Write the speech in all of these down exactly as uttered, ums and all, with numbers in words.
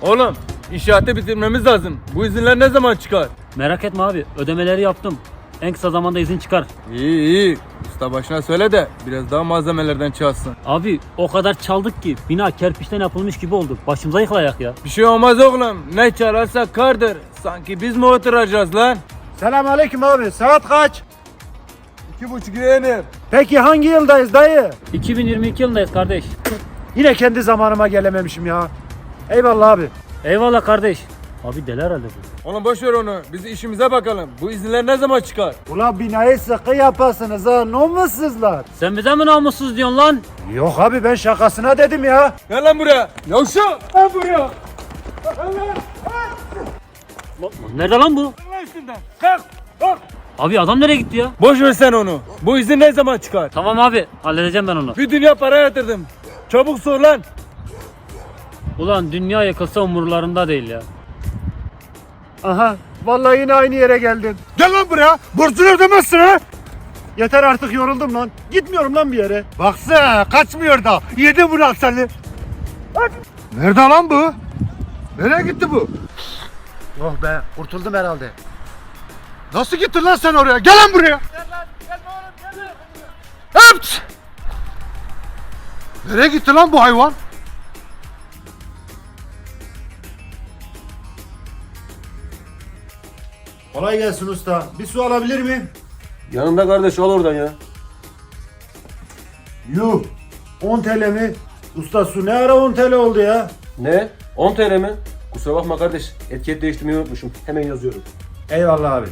Oğlum inşaatı bitirmemiz lazım. Bu izinler ne zaman çıkar? Merak etme abi, ödemeleri yaptım. En kısa zamanda izin çıkar. İyi iyi. Usta başına söyle de biraz daha malzemelerden çalsın. Abi o kadar çaldık ki bina kerpiçten yapılmış gibi oldu. Başımıza yıkılayak ya. Bir şey olmaz oğlum. Ne çalarsa kardır. Sanki biz mi oturacağız lan? Selamünaleyküm abi. Saat kaç? İki buçuk yeğenim. Peki hangi yıldayız dayı? iki bin yirmi iki yılındayız kardeş. Yine kendi zamanıma gelememişim ya. Eyvallah abi. Eyvallah kardeş. Abi deli herhalde bu. Oğlum boş ver onu. Biz işimize bakalım. Bu izinler ne zaman çıkar? Ulan binayı sıkı yapasınız ha. Namussuzlar. Sen bize mi namussuz diyorsun lan? Yok abi ben şakasına dedim ya. Gel lan buraya. Yavşak. Gel buraya. Nerede lan bu? Lan üstünden. Kalk. Kalk. Abi adam nereye gitti ya? Boş ver sen onu. Bu izin ne zaman çıkar? Tamam abi, halledeceğim ben onu. Bir dünya para yatırdım. Çabuk sor lan. Ulan dünya yakılsa umurlarında değil ya. Aha. Vallahi yine aynı yere geldin. Gel lan buraya. Borcunu ödemezsin ha. Yeter artık yoruldum lan. Gitmiyorum lan bir yere. Baksana kaçmıyor da. Yedi bırak seni. Nerede lan bu? Nereye gitti bu? Oh be kurtuldum herhalde. Nasıl gittin lan sen oraya? Gel lan buraya. Gel lan gel oğlum gel. Hıpt! Nereye gitti lan bu hayvan? Kolay gelsin usta. Bir su alabilir miyim? Yanında kardeş al oradan ya. Yuh. on T L mi? Usta su ne ara on T L oldu ya? Ne? on T L mi? Kusura bakma kardeş. Etiket değiştirmeyi unutmuşum. Hemen yazıyorum. Eyvallah abi.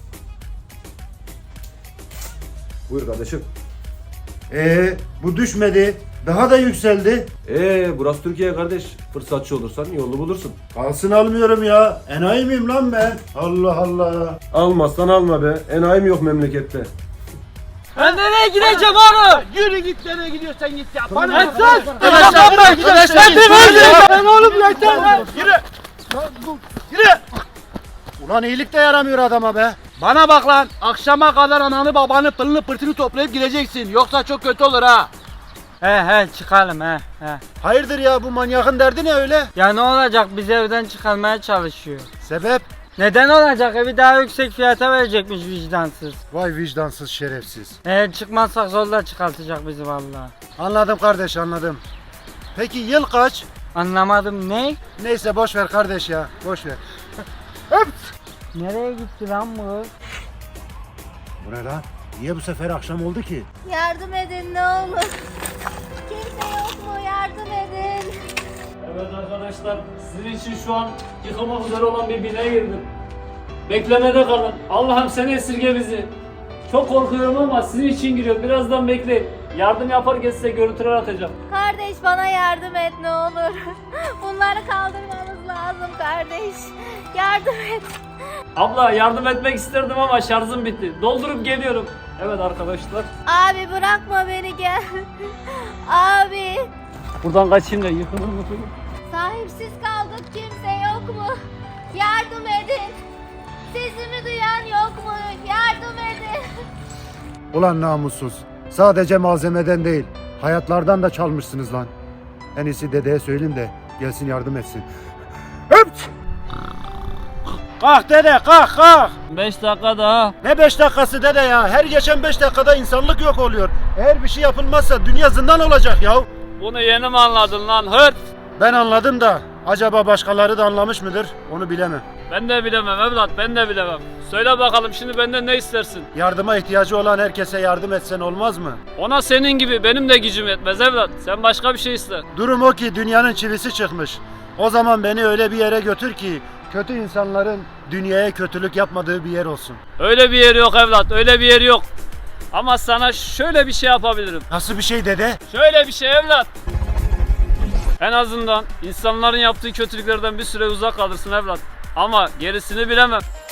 Buyur kardeşim. Ee, bu düşmedi. Daha da yükseldi. Ee, burası Türkiye kardeş. Fırsatçı olursan yolunu bulursun. Kalsın almıyorum ya. Enayi miyim lan ben? Allah Allah. Almazsan alma be. Enayi mi yok memlekette? Ben nereye gideceğim oğlum? Yürü git nereye gidiyorsan git ya. Bana Ben bak. sus! Arkadaşlar, Ben arkadaşlar, Ben git. Ben oğlum yeter! Yürü. Yürü. Ulan iyilik de yaramıyor adama be. Bana bak lan. Akşama kadar ananı babanı pılını pırtını toplayıp gideceksin. Yoksa çok kötü olur ha. He he çıkalım he he. Hayırdır ya bu manyakın derdi ne öyle? Ya ne olacak, bizi evden çıkarmaya çalışıyor. Sebep? Neden olacak, evi daha yüksek fiyata verecekmiş vicdansız. Vay vicdansız şerefsiz. Eğer çıkmazsak zorla çıkartacak bizi vallahi. Anladım kardeş anladım. Peki yıl kaç? Anlamadım, ne? Neyse boş ver kardeş ya. Boş ver. Nereye gitti lan bu? Bu ne lan? Niye bu sefer akşam oldu ki? Yardım edin ne olur. Kimse yok mu? Yardım edin. Evet arkadaşlar, sizin için şu an yıkılmak üzere olan bir binaya girdim. Beklemede kalın. Allah'ım sen esirge bizi. Çok korkuyorum ama sizin için giriyorum. Birazdan bekleyin. Yardım yaparken size görüntüler atacağım. Kardeş bana yardım et ne olur. Bunları kaldırmamız lazım kardeş. Yardım et. Abla yardım etmek isterdim ama şarjım bitti. Doldurup geliyorum. Evet arkadaşlar. Abi bırakma beni gel. Abi. Buradan kaçayım da yıkılır mı? Sahipsiz kaldık kimse yok mu? Yardım edin. Sesimi duyan yok mu? Yardım edin. Ulan namussuz. Sadece malzemeden değil, hayatlardan da çalmışsınız lan. En iyisi dedeye söyleyeyim de gelsin yardım etsin. Hıpt! Kalk dede kalk kalk. beş dakika daha. Ne beş dakikası dede ya? Her geçen beş dakikada insanlık yok oluyor. Eğer bir şey yapılmazsa dünya zindan olacak ya. Bunu yeni mi anladın lan hırt? Ben anladım da acaba başkaları da anlamış mıdır? Onu bilemem. Ben de bilemem evlat, ben de bilemem. Söyle bakalım şimdi benden ne istersin? Yardıma ihtiyacı olan herkese yardım etsen olmaz mı? Ona senin gibi benim de gücüm yetmez evlat. Sen başka bir şey iste. Durum o ki dünyanın çivisi çıkmış. O zaman beni öyle bir yere götür ki kötü insanların dünyaya kötülük yapmadığı bir yer olsun. Öyle bir yeri yok evlat, öyle bir yeri yok. Ama sana şöyle bir şey yapabilirim. Nasıl bir şey dede? Şöyle bir şey evlat. En azından insanların yaptığı kötülüklerden bir süre uzak kalırsın evlat. Ama gerisini bilemem.